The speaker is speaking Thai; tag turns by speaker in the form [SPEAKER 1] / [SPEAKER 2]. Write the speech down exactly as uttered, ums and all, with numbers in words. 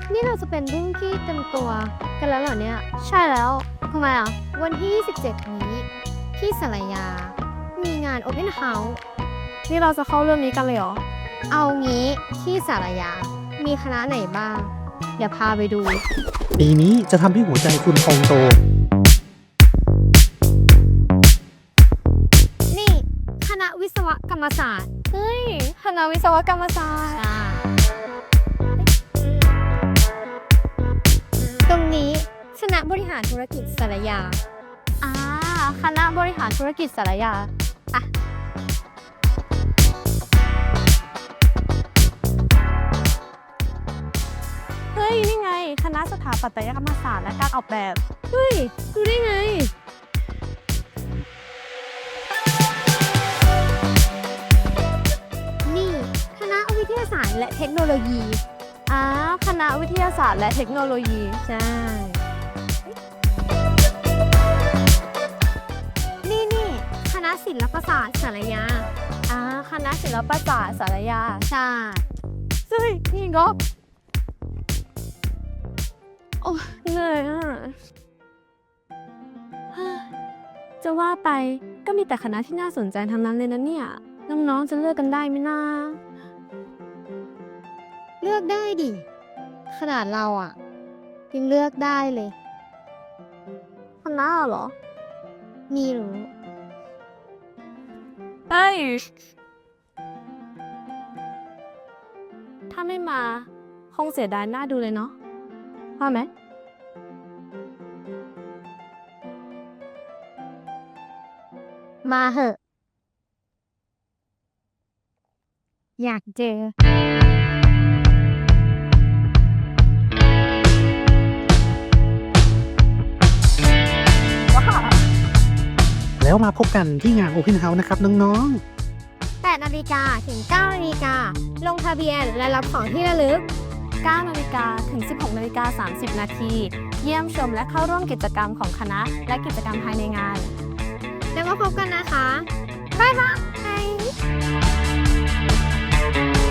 [SPEAKER 1] นี่เราจะเป็นรุ่นพี่เต็มตัวกันแล้วเหรอเนี่ย
[SPEAKER 2] ใช่แล้วทำไมอ่ะ
[SPEAKER 1] วันที่ยี่สิบเจ็ดนี้ที่สารยา มีงาน Open House
[SPEAKER 2] นี่เราจะเข้าเรื่องนี้กันเลยเหรอ
[SPEAKER 1] เอางี้ที่สารยา มีคณะไหนบ้าง เดี๋ยวพาไปดู
[SPEAKER 3] ปีนี้จะทำให้หัวใจคุณพองโต
[SPEAKER 1] นี่คณะวิศวกรรมศาสตร์
[SPEAKER 2] เฮ้ยคณะวิศวกรรมศาสตร์
[SPEAKER 1] อ่าตรงนี้คณะบริหารธุรกิจสารยา
[SPEAKER 2] อ่าคณะบริหารธุรกิจสารยา
[SPEAKER 1] อ่ะ
[SPEAKER 2] เฮ้ย นี่ไง คณะสถาปัตยกรรมศาสตร์และการออกแบบ
[SPEAKER 1] เฮ้ย ดูได้ไง นี่คณะวิทยาศาสตร์และเทคโนโลยี
[SPEAKER 2] อ่าคณะวิทยาศาสตร์และเทคโนโลยี
[SPEAKER 1] ใช่ นี่นี่คณะศิลปศาสตร์สารยา
[SPEAKER 2] อ่าคณะศิลปศาสตร์สารยา
[SPEAKER 1] ใช่
[SPEAKER 2] เฮ้ยนี่ก็โอ้เหนื่อยอ่ะเฮ้ยจะว่าไปก็มีแต่คณะที่น่าสนใจทั้งนั้นเลยนะเนี่ย น้องๆจะเลือกกันได้ไหมนะ
[SPEAKER 1] เลือกได้ดิ ขนาดเราอ่ะยังเลือกได้เลย
[SPEAKER 2] คณะเหรอ
[SPEAKER 1] นี่รู้
[SPEAKER 2] เฮ้ย ถ้าไม่มา คงเสียดายหน้าดูเลยเนาะว่าไหม
[SPEAKER 1] มาเหอะ อยากเจอ
[SPEAKER 3] แล้วมาพบกันที่งาน Open House นะครับน้อง
[SPEAKER 1] แปดนาฬิกาถึงเก้านาฬิกา ลงทะเบียนและรับของที่ระลึก
[SPEAKER 2] เก้านาฬิกาถึง สิบหกนาฬิกาสามสิบนาที เยี่ยมชมและเข้าร่วมกิจกรรมของคณะและกิจกรรมภายในงาน
[SPEAKER 1] แล้วมาพบกันนะคะ บ๊ายบาย